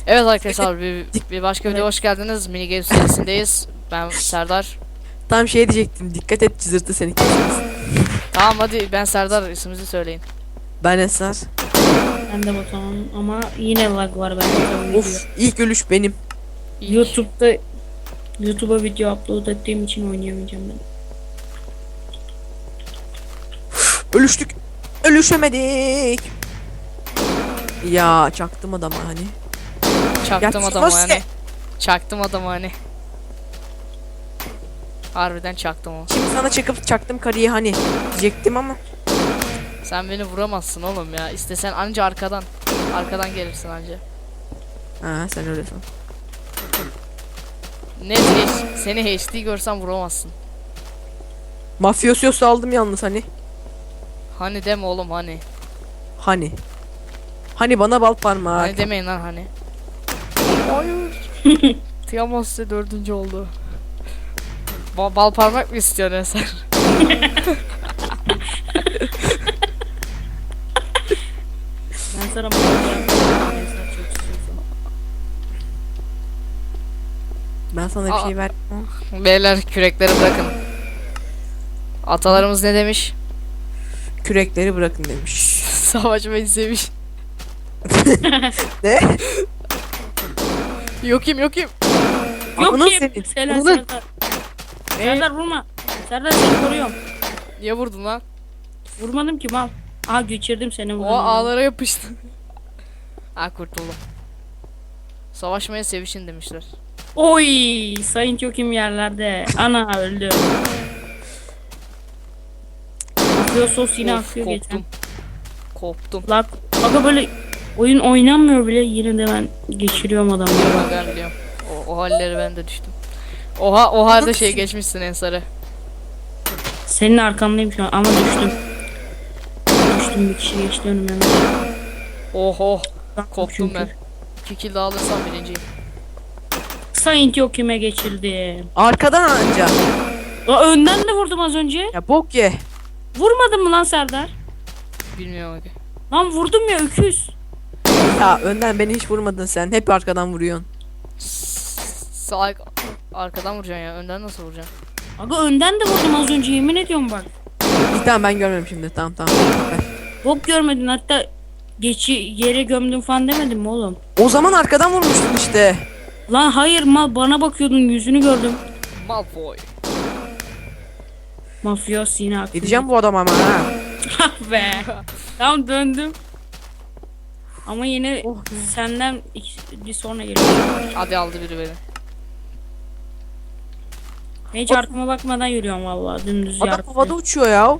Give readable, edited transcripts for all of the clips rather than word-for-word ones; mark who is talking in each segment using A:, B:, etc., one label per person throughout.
A: Evet arkadaşlar bir başka videoya hoş geldiniz. Mini Games serisindeyiz. Ben Serdar.
B: Tam şey diyecektim. Dikkat et cızırtı seni kesmesin.
A: Tamam hadi ben Serdar, isminizi söyleyin.
B: Ben Esar.
C: Ben de Batuhan ama yine lag var bende.
B: Of, ilk ölüş benim.
C: YouTube'a video upload ettiğim için oynayamayacağım ben.
B: Ölüştük. Ölüşemedik. Ya çaktım adama hani.
A: Çaktım
B: Ya,
A: adamı
B: nasıl?
A: hani. Çaktım adamı hani. Harbiden çaktım o.
B: Şimdi sana çıkıp çaktım karıyı hani diyecektim ama.
A: Sen beni vuramazsın oğlum ya. İstesen anca arkadan. Arkadan gelirsin anca.
B: Ha sen öyle san.
A: Seni HD görsem vuramazsın.
B: Mafyosyosu aldım yalnız hani.
A: Hani deme oğlum hani.
B: Hani. Hani bana bal parmağı.
A: Hani demeyin lan hani. Hayır. Tiamos size 4. oldu. Bal parmak mı istiyorsun Eser?
C: Ben sana
B: Ben sana bir şey ver.
A: Beyler kürekleri bırakın. Atalarımız ne demiş?
B: Kürekleri bırakın demiş.
A: Savaşmayı sevmiş.
B: Ne?
A: Yokum.
C: Yok
B: Ananı
C: ki.
B: senin.
C: Serdar.
B: Ananı-
C: Serdar vurma. Serdar seni koruyorum.
A: Niye vurdun lan?
C: Vurmadım ki mal. Aha geçirdim seni
A: O
C: vurdum.
A: ağlara yapıştı. Ha kurtuldum. Savaşmaya sevişin demişler.
C: Oy, Sayın Kökim yerlerde. Ana öldü. Akıyor sos yine
A: Of,
C: akıyor geçen.
A: koptum. Koptum.
C: Lag. Aga böyle oyun oynanmıyor bile yine de ben geçiriyorum adamı.
A: Ben biliyorum. O halleri ben de düştüm. Oha o halde şey geçmişsin Ensar'ı.
C: Senin arkandayım şu an ama düştüm. Düştüm, bir kişi geçti önüme.
A: Oho.
C: Baktım
A: Koptum
C: çünkü.
A: ben. 2 kill daha alırsam birinciyim.
C: Sayın Köküm'e geçildi.
B: Arkadan anca.
C: Önden de vurdum az önce.
B: Ya bok ye.
C: Vurmadın mı lan Serdar?
A: Bilmiyorum abi.
C: Lan vurdum ya öküz.
B: Ya önden beni hiç vurmadın sen. Hep arkadan vuruyorsun.
A: Sağ arkadan vuracaksın ya. Önden nasıl vuracaksın?
C: Aga önden de vurdum az önce yemin ediyorum bak.
B: İyi tamam ben görmedim şimdi. Tamam. Ver.
C: Bok görmedin hatta yere gömdüm falan demedim mi oğlum?
B: O zaman arkadan vurmuştun işte.
C: Lan hayır mal bana bakıyordun yüzünü gördüm.
A: Malfoy.
C: Mafyos yine akıyor.
B: Gideceğim bu adama ama ha.
C: Ah be. Tamam döndüm. Ama yine
B: Oh.
C: senden bir sonra geliyor.
A: Hadi aldı biri beni.
C: Hiç arkama bakmadan yürüyorum vallahi dümdüz
B: Adam havada uçuyor ya.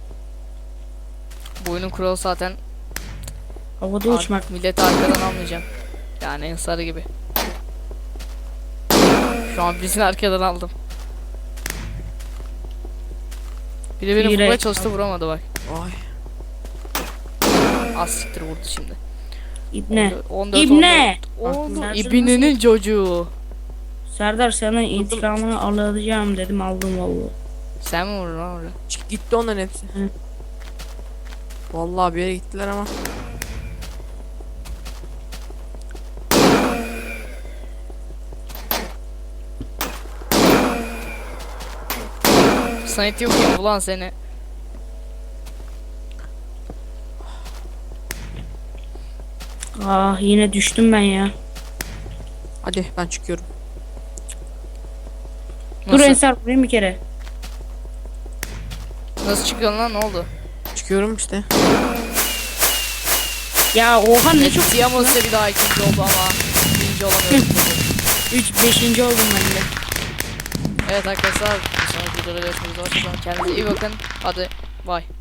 A: Bu oyunun kuralı zaten
C: Havada uçmak.
A: milleti arkadan almayacaksın. Yani Ensar gibi. Şu an birisini arkadan aldım. Biri beni
C: Yürek.
A: vurmaya çalıştı, vuramadı bak.
B: Ay.
A: Az siktir vurdu şimdi.
C: İbne.
A: 14,
C: İbne.
A: 14.
C: Serdar
A: İbnenin çocuğu.
C: Serdar sana intikamını alacağım dedim aldım vallahi.
A: Sen mi vurdun lan orada?
B: Gitti onların hepsi.
C: Hı.
B: Vallahi bir yere gittiler ama.
A: Sanit yok ya ulan seni.
C: Ah yine düştüm ben ya.
B: Hadi ben çıkıyorum.
C: Dur
A: Nasıl,
C: Ensar vurayım bir kere.
A: nasıl çıkıyorsun lan, ne oldu?
B: Çıkıyorum işte.
C: Ya oha ne çok
A: Tiamos bir daha ikinci oldu ama birinci olamıyorum.
C: 5. oldum ben de.
A: Evet arkadaşlar, bir sonraki videoda görüşmek üzere. Kendinize iyi bakın. Hadi bay.